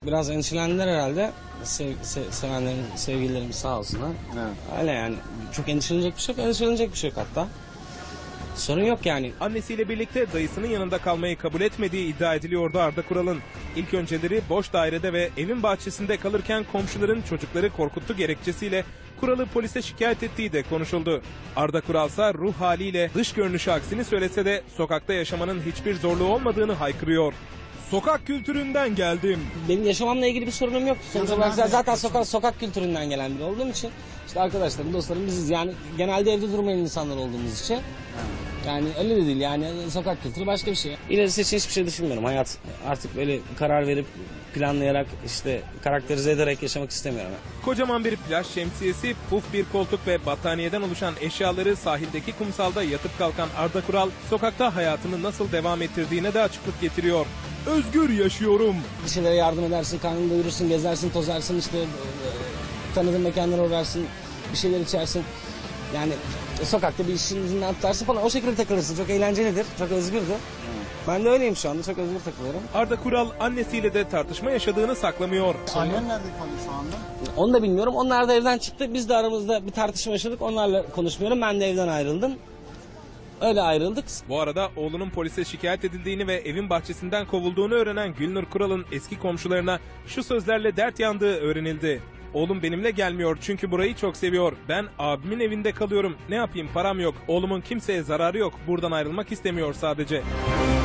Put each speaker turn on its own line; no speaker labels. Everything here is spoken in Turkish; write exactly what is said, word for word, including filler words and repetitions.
Biraz endişelendiler herhalde. Sev, se, sevenlerim, sevgililerim sağ olsunlar. Evet. Öyle yani. Çok endişelenecek bir şey yok. Endişelenecek bir şey yok hatta. Sorun yok yani.
Annesiyle birlikte dayısının yanında kalmayı kabul etmediği iddia ediliyordu Arda Kural'ın. İlk önceleri boş dairede ve evin bahçesinde kalırken komşuların çocukları korkuttu gerekçesiyle Kural'ı polise şikayet ettiği de konuşuldu. Arda Kural ise ruh haliyle dış görünüşü aksini söylese de sokakta yaşamanın hiçbir zorluğu olmadığını haykırıyor. Sokak kültüründen geldim.
Benim yaşamamla ilgili bir sorunum yok. Sonuç olarak zaten sokak, sokak kültüründen gelen biri olduğum için işte arkadaşlarım, dostlarım biziz. Yani genelde evde durmayan insanlar olduğumuz için. Yani öyle de değil yani sokak kültürü başka bir şey. İlerisi için hiçbir şey düşünmüyorum. Hayat artık böyle karar verip planlayarak işte karakterize ederek yaşamak istemiyorum.
Kocaman bir plaj şemsiyesi, puf bir koltuk ve battaniyeden oluşan eşyaları sahildeki kumsalda yatıp kalkan Arda Kural, sokakta hayatını nasıl devam ettirdiğine de açıklık getiriyor. Özgür yaşıyorum.
Bir şeylere yardım edersin, karnını doyurursun, gezersin, tozarsın, işte e, tanıdığın mekanlara uğrarsın, bir şeyler içersin. Yani e, sokakta bir işin ucundan tutarsın falan, o şekilde takılırsın. Çok eğlencelidir, çok özgürdür. Ben de öyleyim şu anda, çok özgür takılıyorum.
Arda Kural annesiyle de tartışma yaşadığını saklamıyor.
Annen nerede kalıyor şu anda?
Onu da bilmiyorum. Onlar da evden çıktı. Biz de aramızda bir tartışma yaşadık. Onlarla konuşmuyorum. Ben de evden ayrıldım. Öyle ayrıldık.
Bu arada oğlunun polise şikayet edildiğini ve evin bahçesinden kovulduğunu öğrenen Gülnur Kural'ın eski komşularına şu sözlerle dert yandığı öğrenildi. Oğlum benimle gelmiyor çünkü burayı çok seviyor. Ben abimin evinde kalıyorum. Ne yapayım, param yok. Oğlumun kimseye zararı yok. Buradan ayrılmak istemiyor sadece.